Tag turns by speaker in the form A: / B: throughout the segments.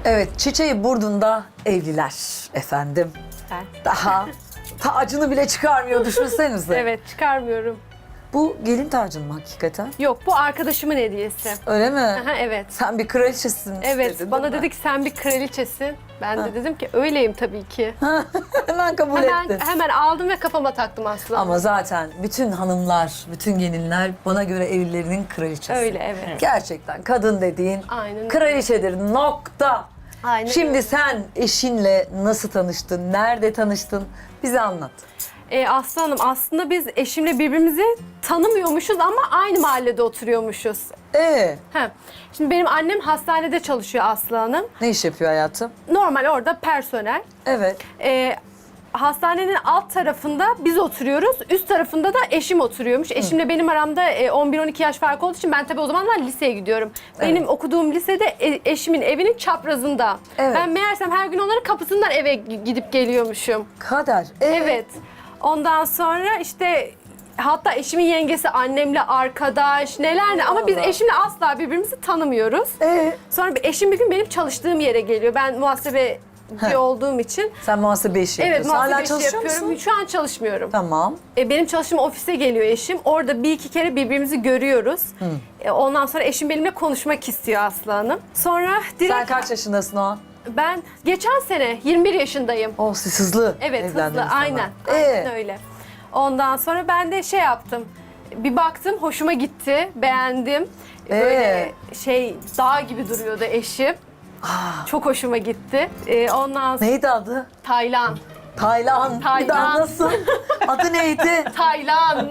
A: Evet, çiçeği burnunda evliler efendim.
B: Ben.
A: Daha tacını bile çıkarmıyor, düşünsenize.
B: Evet, çıkarmıyorum.
A: Bu gelin tacın mı hakikaten?
B: Yok, bu arkadaşımın hediyesi.
A: Öyle mi?
B: Aha, evet.
A: Sen bir kraliçesin
B: Evet,
A: istedin,
B: bana
A: değil mi?
B: dedi ki sen bir kraliçesin. Ben de dedim ki öyleyim tabii ki.
A: Hemen kabul ettin.
B: Hemen aldım ve kafama taktım aslında.
A: Ama zaten bütün hanımlar, bütün gelinler bana göre evlilerinin kraliçesi.
B: Öyle, evet.
A: Gerçekten kadın dediğin
B: Aynen.
A: kraliçedir, nokta.
B: Aynen
A: Şimdi
B: öyle.
A: sen eşinle nasıl tanıştın, nerede tanıştın? Bize anlat.
B: Aslı Hanım, aslında biz eşimle birbirimizi tanımıyormuşuz ama aynı mahallede oturuyormuşuz.
A: Ee,
B: Şimdi benim annem hastanede çalışıyor Aslı Hanım.
A: ne iş yapıyor hayatım?
B: Normal orada personel.
A: Evet.
B: Hastanenin alt tarafında biz oturuyoruz, üst tarafında da eşim oturuyormuş. Eşimle benim aramda 11-12 yaş fark olduğu için ben tabii o zamanlar liseye gidiyorum. Benim okuduğum lisede eşimin evinin çaprazında.
A: Evet.
B: Ben meğersem her gün onların kapısından eve gidip geliyormuşum.
A: Kader.
B: Evet. Ondan sonra işte hatta eşimin yengesi annemle arkadaş neler ne ama biz
A: Allah.
B: eşimle asla birbirimizi tanımıyoruz. Sonra eşim bir gün benim çalıştığım yere geliyor. Ben muhasebeci olduğum için.
A: Sen muhasebe işi
B: Evet,
A: yapıyorsun. Hala
B: muhasebe işi
A: çalışıyor
B: yapıyorum.
A: musun?
B: Şu an çalışmıyorum.
A: Tamam.
B: Benim çalıştığım ofise geliyor eşim. Orada bir iki kere birbirimizi görüyoruz. Ondan sonra eşim benimle konuşmak istiyor Aslı Hanım. Sonra direkt
A: Sen kaç yaşındasın o an?
B: ben geçen sene 21 yaşındayım.
A: Oh, siz hızlı
B: Evet,
A: evlendiniz
B: hızlı.
A: sonra.
B: Aynen. Aynen öyle. Ondan sonra ben de şey yaptım. Bir baktım, hoşuma gitti, beğendim. Böyle dağ gibi duruyordu eşim. Çok hoşuma gitti. Ondan sonra
A: Neydi adı?
B: Taylan.
A: Taylan. Bir daha
B: Taylan.
A: nasıl? Adı neydi?
B: Taylan.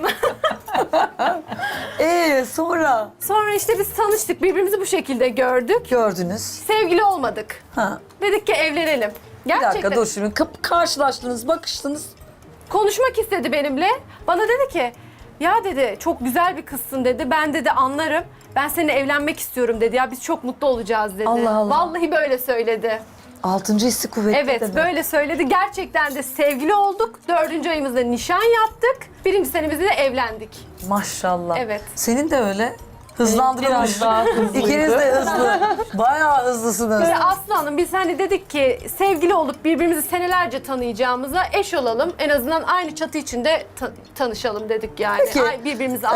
A: Sonra
B: Sonra işte biz tanıştık, birbirimizi bu şekilde gördük.
A: gördünüz.
B: Sevgili olmadık.
A: Ha.
B: Dedik ki evlenelim.
A: Bir
B: Gerçekten.
A: dakika dur şimdi. Karşılaştınız, bakıştınız.
B: Konuşmak istedi benimle. Bana dedi ki, ya dedi çok güzel bir kızsın dedi. Ben dedi anlarım. Ben seninle evlenmek istiyorum dedi. Ya biz çok mutlu olacağız dedi.
A: Allah Allah.
B: Vallahi böyle söyledi.
A: Altıncı hissi kuvvetli
B: Evet
A: dedi.
B: böyle söyledi. Gerçekten de sevgili olduk. 4. ayımızda nişan yaptık. 1. senemizde de evlendik.
A: Maşallah.
B: Evet.
A: Senin de öyle. Hızlandırılmış.
C: Biraz daha hızlıydı.
A: İkiniz de hızlı. Bayağı hızlısınız.
B: Böyle Aslı Hanım biz hani dedik ki sevgili olup birbirimizi senelerce tanıyacağımıza eş olalım. En azından aynı çatı içinde tanışalım dedik yani.
A: Peki,
B: Birbirimizi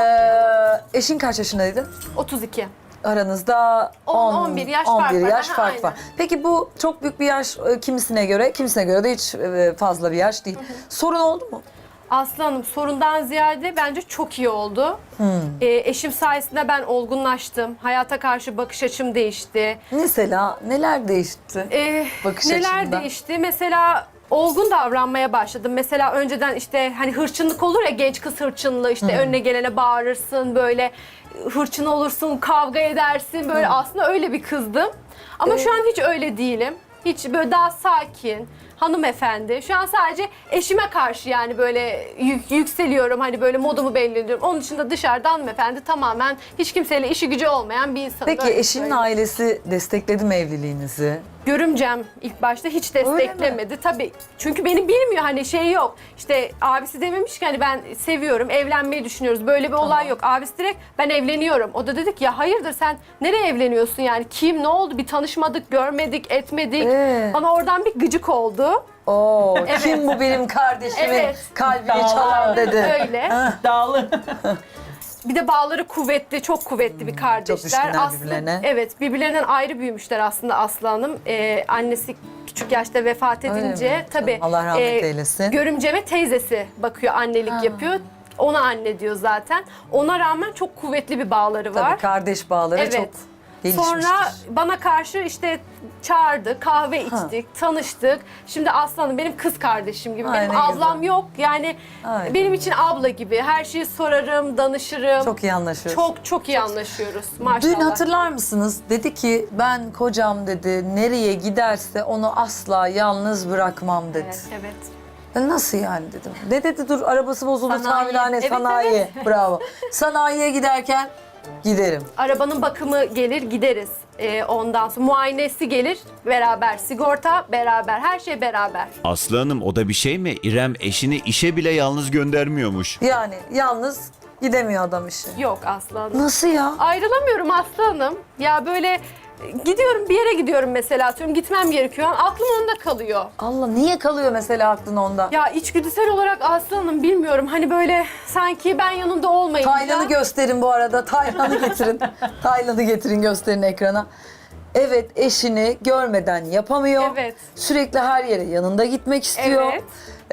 A: eşin kaç yaşındaydı?
B: 32.
A: Aranızda
B: 11 yaş fark
A: 11
B: var.
A: yaş
B: Aha,
A: fark
B: aynen.
A: var. Peki bu çok büyük bir yaş kimisine göre de hiç fazla bir yaş değil. Sorun oldu mu?
B: Aslı Hanım sorundan ziyade bence çok iyi oldu. Eşim sayesinde ben olgunlaştım. Hayata karşı bakış açım değişti.
A: Mesela neler değişti? Bakış
B: Neler
A: açında.
B: değişti? Mesela olgun davranmaya başladım. Mesela önceden işte hani hırçınlık olur ya genç kız hırçınlığı işte önüne gelene bağırırsın böyle hırçın olursun kavga edersin böyle aslında öyle bir kızdım. Ama şu an hiç öyle değilim. Hiç böyle daha sakin, hanımefendi. Şu an sadece eşime karşı yani böyle yükseliyorum. Hani böyle modumu belli ediyorum. Onun dışında dışarıda hanımefendi tamamen hiç kimseyle işi gücü olmayan bir insan.
A: Peki eşinin ailesi destekledi mi evliliğinizi?
B: Görümcem ilk başta hiç desteklemedi. Tabii çünkü beni bilmiyor hani şey yok. İşte abisi dememiş ki hani ben seviyorum, evlenmeyi düşünüyoruz. Böyle bir olay yok. Abisi direkt ben evleniyorum. O da dedik ya hayırdır sen nereye evleniyorsun yani? Kim, ne oldu? Bir tanışmadık, görmedik, etmedik. Bana oradan bir gıcık oldu.
A: Oo, kim bu benim kardeşimin
B: Evet.
A: kalbini çalan dedi.
B: Öyle.
C: Dağlı.
B: Bir de bağları kuvvetli, çok kuvvetli bir kardeşler.
A: çok düşkünler
B: Aslında,
A: birbirlerine.
B: Evet, birbirlerinden ayrı büyümüşler aslında Aslı Hanım. Annesi küçük yaşta vefat
A: Öyle
B: edince
A: mi?
B: tabii
A: Canım, Allah rahmet eylesin.
B: görümceme teyzesi bakıyor, annelik yapıyor. Ona anne diyor zaten. Ona rağmen çok kuvvetli bir bağları var.
A: Tabii kardeş bağları
B: Evet.
A: çok gelişmiştir.
B: Sonra bana karşı işte çağırdı, kahve içtik, tanıştık. Şimdi Aslı Hanım benim kız kardeşim gibi.
A: Ay,
B: Benim
A: ne
B: ablam
A: güzel.
B: yok. Yani
A: Ay,
B: benim için abla gibi. Her şeyi sorarım, danışırım.
A: Çok iyi anlaşıyoruz.
B: Çok iyi anlaşıyoruz maşallah.
A: Dün hatırlar mısınız? Dedi ki ben kocam dedi nereye giderse onu asla yalnız bırakmam dedi.
B: Evet.
A: Ben nasıl yani dedim. Ne dedi dur arabası bozuldu
B: Sanayi.
A: tamirhane
B: Evet,
A: sanayi.
B: evet.
A: Bravo. Sanayiye giderken giderim.
B: Arabanın bakımı gelir gideriz. Ondan sonra muayenesi gelir beraber. Sigorta beraber. Her şey beraber.
D: Aslı Hanım o da bir şey mi? İrem eşini işe bile yalnız göndermiyormuş.
A: Yani yalnız gidemiyor adam işe.
B: Yok Aslı Hanım.
A: Nasıl ya?
B: Ayrılamıyorum Aslı Hanım. Ya böyle Gidiyorum bir yere gidiyorum mesela atıyorum gitmem gerekiyor. Aklım onda kalıyor.
A: Allah, niye kalıyor mesela aklın onda?
B: Ya içgüdüsel olarak Aslanım bilmiyorum hani böyle sanki ben yanında olmayınca.
A: Taylan'ı gösterin bu arada. Taylan'ı getirin. Taylan'ı getirin, gösterin ekrana. Evet, eşini görmeden yapamıyor.
B: Evet.
A: Sürekli her yere yanında gitmek istiyor.
B: Evet.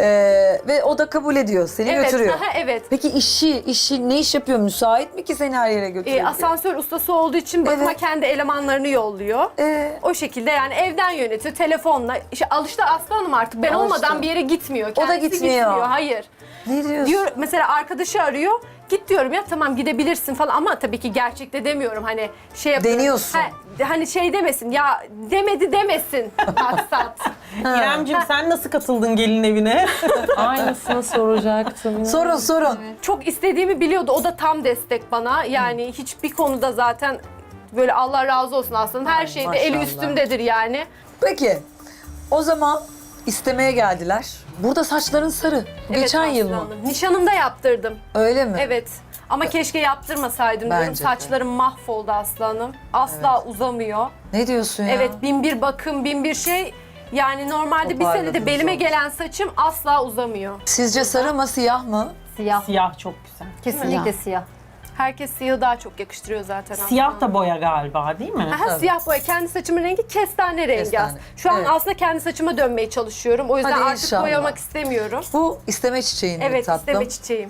A: Ve o da kabul ediyor. Seni
B: Evet,
A: götürüyor.
B: aha, evet.
A: Peki işi ne iş yapıyor? Müsait mi ki seni her yere götürüyor?
B: Asansör ustası olduğu için bakıma
A: Evet.
B: kendi elemanlarını yolluyor. O şekilde yani evden yönetiyor telefonla. İşte alıştı Aslanım artık ben
A: Alıştı.
B: olmadan bir yere gitmiyor.
A: O da
B: Kendisi
A: gitmiyor.
B: Hayır.
A: Ne diyorsun?
B: Diyor mesela arkadaşı arıyor. Git diyorum ya tamam gidebilirsin falan ama tabii ki gerçekte demiyorum hani şey yapıyorum.
A: Deniyorsun.
B: Hani şey demesin ya demedi demesin maksat.
C: İremciğim sen nasıl katıldın gelin evine?
E: Aynısını soracaktım.
A: Sorun.
B: Çok istediğimi biliyordu. O da tam destek bana. Yani hiçbir konuda zaten böyle Allah razı olsun aslında. Her
A: Ay,
B: şeyde eli
A: maşallah.
B: üstümdedir yani.
A: Peki, o zaman istemeye geldiler. Burada saçların sarı. Bu
B: Evet,
A: geçen yıl mı?
B: aslanım. Nişanımda yaptırdım.
A: Öyle mi?
B: Evet. Ama keşke yaptırmasaydım diyorum.
A: Bence de.
B: Saçlarım mahvoldu aslanım. Asla uzamıyor.
A: Ne diyorsun ya?
B: Evet, bin bir bakım, bin bir şey. Yani normalde bir
A: Toparladınız
B: senede belime
A: olmuş.
B: gelen saçım asla uzamıyor.
A: Sizce sarı mı, siyah mı?
E: Siyah.
C: Siyah çok güzel.
E: Kesinlikle siyah.
B: Herkes siyahı daha çok yakıştırıyor zaten.
C: Siyah da boya galiba değil mi?
B: Aha, siyah boya. Kendi saçımın rengi kestane rengi
A: Kestane.
B: aslında. Şu an
A: Evet.
B: aslında kendi saçıma dönmeye çalışıyorum. O yüzden
A: Hadi
B: artık
A: inşallah.
B: boyamak istemiyorum.
A: Bu isteme çiçeğin mi
B: Evet,
A: tatlım?
B: isteme çiçeğim.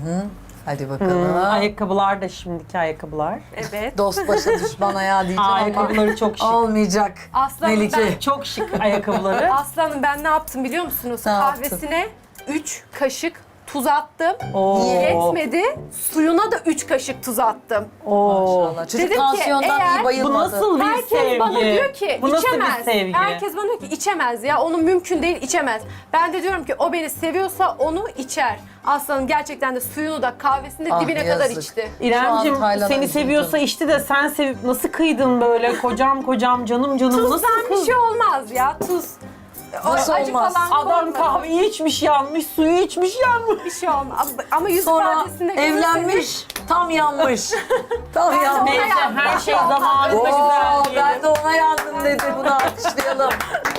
A: Hadi bakalım.
C: Ayakkabılar da şimdiki ayakkabılar.
B: Evet.
A: Dost başa düşman ayağı diyeceğim ama
C: Ayakkabıları çok şık.
A: olmayacak.
B: Aslanım
A: Melike.
C: Çok şık ayakkabıları.
B: Aslanım ben ne yaptım biliyor musunuz?
A: Ne yaptın?
B: Kahvesine 3 kaşık tuz attım.
C: Oo.
B: Yetmedi. Suyuna da 3 kaşık tuz attım.
C: Oo.
A: Maşallah. Çocuk
B: Dedim ki,
A: tansiyondan
B: eğer
A: iyi
C: Bu
A: bayılmadı.
C: nasıl bir
B: Herkes
C: sevgi?
B: bana diyor ki
C: Bu nasıl
B: içemez.
C: bir sevgi?
B: Herkes bana diyor ki içemez ya. Onun mümkün değil içemez. Ben de diyorum ki o beni seviyorsa onu içer. Aslanım gerçekten de suyunu da kahvesini de
A: Ah,
B: dibine kadar
A: yazık.
B: içti.
C: İremcim
A: Şu an Taylan'a
C: seni
A: üzüldüm.
C: seviyorsa içti de sen sevip nasıl kıydın böyle kocam canım nasıl
B: Tuzdan bir
C: kızdın?
B: şey olmaz ya tuz. O
A: Nasıl
B: acı
A: olmaz?
B: falan
C: Adam
B: olmaz.
C: kahveyi içmiş yanmış, suyu içmiş yanmış.
B: Bir şey olmaz. Ama yüz
A: Sonra
B: ifadesinde görürseniz-
A: evlenmiş, tam yanmış. Tam
B: Ben de
A: yanmış.
B: ona
C: Neyse her şey zamanında
A: Oo,
C: güzel
A: ben
C: diyelim.
A: de ona yandım dedi. Bunu alkışlayalım.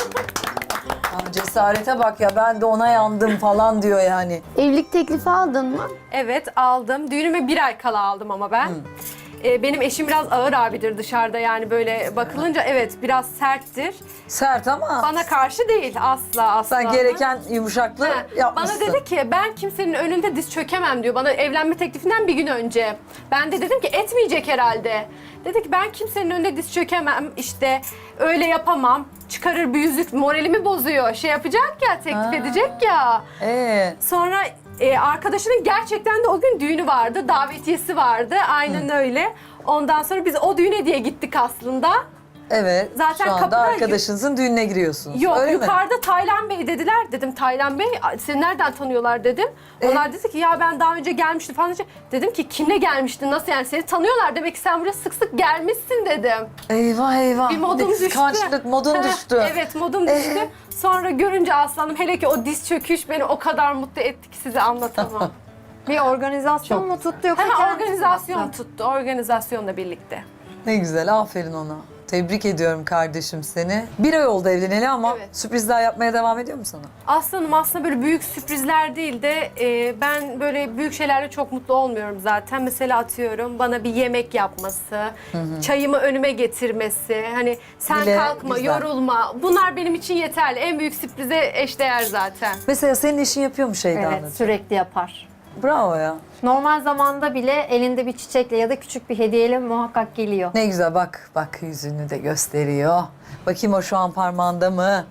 A: Ya cesarete bak ya, ben de ona yandım falan diyor yani.
F: Evlilik teklifi aldın mı?
B: Evet aldım. Düğünüme 1 ay kala aldım ama ben. Benim eşim biraz ağır abidir dışarıda yani böyle bakılınca evet biraz serttir.
A: Sert ama
B: Bana karşı değil asla.
A: sen gereken yumuşaklığı
B: Ha,
A: yapmışsın.
B: Bana dedi ki ben kimsenin önünde diz çökemem diyor. Bana evlenme teklifinden bir gün önce. Ben de dedim ki etmeyecek herhalde. Dedi ki ben kimsenin önünde diz çökemem işte öyle yapamam. Çıkarır bir yüzük moralimi bozuyor. Şey yapacak ya teklif edecek ya. Sonra arkadaşının gerçekten de o gün düğünü vardı. Davetiyesi vardı. Aynen öyle. Ondan sonra biz o düğüne diye gittik aslında.
A: Evet.
B: Zaten
A: şu anda
B: kapıda-
A: arkadaşınızın düğününe giriyorsunuz.
B: Yok
A: Öyle mi?
B: yukarıda Taylan Bey dediler. Dedim Taylan Bey seni nereden tanıyorlar dedim. Onlar dedi ki ya ben daha önce gelmiştim falan. Dedim ki kimle gelmiştin nasıl yani seni tanıyorlar demek ki sen buraya sık sık gelmişsin dedim.
A: Eyvah eyvah.
B: Bir modum düştü.
A: Kıskançlık modun
B: Heh,
A: düştü.
B: Evet modum düştü. Sonra görünce aslanım hele ki o diz çöküş beni o kadar mutlu etti ki size anlatamam.
F: Bir organizasyon mu tuttu yoksa
B: Hemen
F: kendisi mi
B: organizasyon
F: yaptı?
B: tuttu. Organizasyonla birlikte.
A: Ne güzel, aferin ona. Tebrik ediyorum kardeşim seni. 1 ay oldu evleneli ama
B: Evet.
A: sürprizler yapmaya devam ediyor mu sana?
B: Aslanım aslında böyle büyük sürprizler değil de ben böyle büyük şeylerle çok mutlu olmuyorum zaten. Mesela atıyorum bana bir yemek yapması, çayımı önüme getirmesi, hani sen
A: Bile
B: kalkma,
A: güzel.
B: yorulma. Bunlar benim için yeterli. En büyük sürprize eşdeğer zaten.
A: Mesela senin eşin yapıyor mu Şeyda
F: Evet, sürekli yapar.
A: Bravo ya.
F: Normal zamanda bile elinde bir çiçekle ya da küçük bir hediyeyle muhakkak geliyor.
A: Ne güzel, bak yüzünü de gösteriyor. Bakayım o şu an parmağında mı?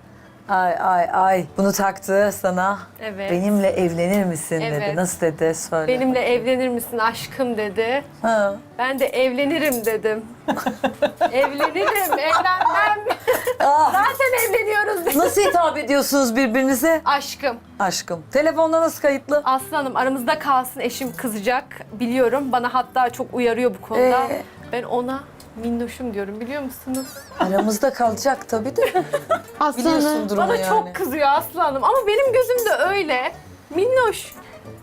A: Ay. Bunu taktı sana.
B: Evet.
A: Benimle evlenir misin dedi.
B: Evet.
A: Nasıl dedi? Söyle.
B: Benimle evlenir misin aşkım dedi.
A: Ha.
B: Ben de evlenirim dedim. Evlenirim, evlenmem.
A: Ah,
B: Zaten evleniyoruz dedim.
A: nasıl hitap ediyorsunuz birbirinize?
B: Aşkım.
A: Aşkım. Telefonda nasıl kayıtlı?
B: Aslanım aramızda kalsın eşim kızacak biliyorum. Bana hatta çok uyarıyor bu konuda. Ben ona minnoşum diyorum biliyor musunuz?
A: Aramızda kalacak tabii de. Biliyorsun durumu
B: Bana
A: yani.
B: çok kızıyor aslanım ama benim gözümde öyle. Minnoş.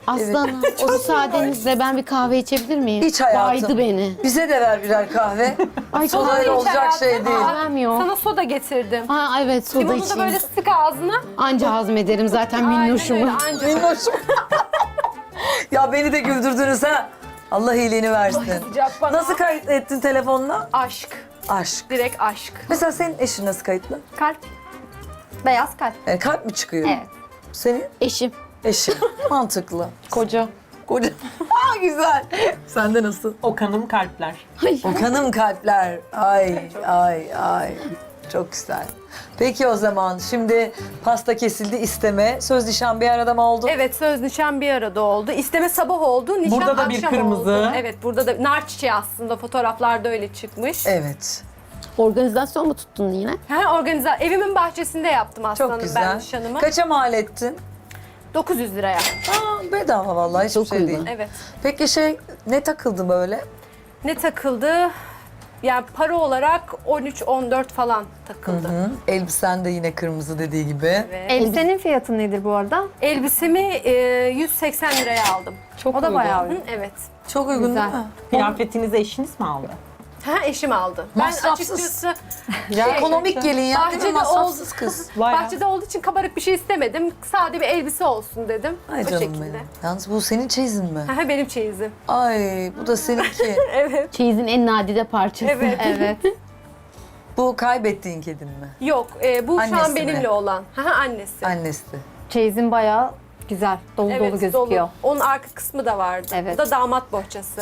G: Aslanım, o müsaadenizle ben bir kahve içebilir miyim?
A: Hiç hayatım.
G: Baydı beni.
A: Bize de ver birer kahve.
G: Ay çok
A: Sodayla olacak şey değil.
G: kahvem yok.
B: Sana soda getirdim.
G: Ha evet, soda
B: Limonu da
G: içeyim.
B: böyle sık ağzına.
G: Anca hazmederim zaten
B: Aynen öyle,
G: minnoşumu.
B: anca.
A: Minnoşum. Ya beni de güldürdünüz ha. Allah iyiliğini versin.
B: Sıcak bana.
A: Nasıl kayıt ettin telefonla?
B: Aşk.
A: Aşk.
B: Direkt aşk.
A: Mesela senin eşin nasıl kayıtlı?
F: Kalp. Beyaz kalp.
A: Yani kalp mi çıkıyor?
F: Evet.
A: Senin
G: Eşim.
A: eşin. Mantıklı.
C: Koca.
A: Koca. Aa, güzel. Sende nasıl?
C: Okan'ım kalpler.
A: Okanım kalpler. Ay ay ay. Çok güzel. Peki o zaman şimdi pasta kesildi, isteme. Söz nişan bir arada mı oldu?
B: Evet, söz nişan bir arada oldu. İsteme sabah oldu, nişan
C: Burada da
B: akşam
C: bir kırmızı.
B: oldu. Evet, burada da nar çiçeği aslında fotoğraflarda öyle çıkmış.
A: Evet.
G: Organizasyon mu tuttun yine?
B: Evimin bahçesinde yaptım
A: Çok
B: aslanım ben
A: güzel.
B: nişanımı.
A: Kaça mal ettin?
B: 900 liraya.
A: Aa, bedava vallahi hiçbir
G: Çok
A: şey
G: uygun.
A: değil.
B: Evet.
A: Peki ne takıldı böyle?
B: Ne takıldı? Yani para olarak 13-14 falan takıldı.
A: Hı, elbisen de yine kırmızı dediği gibi.
B: Evet.
F: Elbisenin fiyatı nedir bu arada?
B: Elbisemi 180 liraya aldım.
C: Çok
F: O da
C: uygun.
F: bayağı
B: Hı,
F: uygun.
B: evet.
A: Çok uygun
F: Güzel.
A: değil mi?
C: Kıyafetinizi eşiniz mi aldı?
B: Ha, eşim aldı. Ben
A: Masrafsız.
B: açıkçası
A: Ekonomik gelin ya. değil mi?
B: bahçede
A: Masrafsız kız.
C: Bayağı.
B: bahçede olduğu için kabarık bir şey istemedim. Sade bir elbise olsun dedim.
A: Ay
B: o
A: canım
B: şekilde.
A: benim. Yalnız bu senin çeyizin mi?
B: Ha, benim çeyizim.
A: Ay bu da seninki.
B: Evet.
G: Çeyizin en nadide parçası.
B: Evet.
F: Evet.
A: Bu kaybettiğin kedin mi?
B: Yok, bu
A: Annesi
B: şu an
A: mi?
B: benimle olan. Ha, annesi.
A: Annesi.
F: Çeyizin bayağı güzel. Dolu dolu gözüküyor.
B: dolu. Onun arka kısmı da vardı.
F: Evet.
B: Bu da damat bohçası.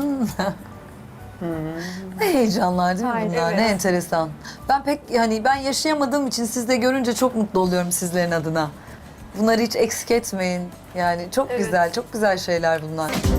A: Ne heyecanlar değil mi
F: Aynen,
A: bunlar?
B: evet.
A: Ne enteresan. Ben yaşayamadığım için siz de görünce çok mutlu oluyorum sizlerin adına. Bunları hiç eksik etmeyin. Yani çok
B: Evet.
A: güzel, çok güzel şeyler bunlar.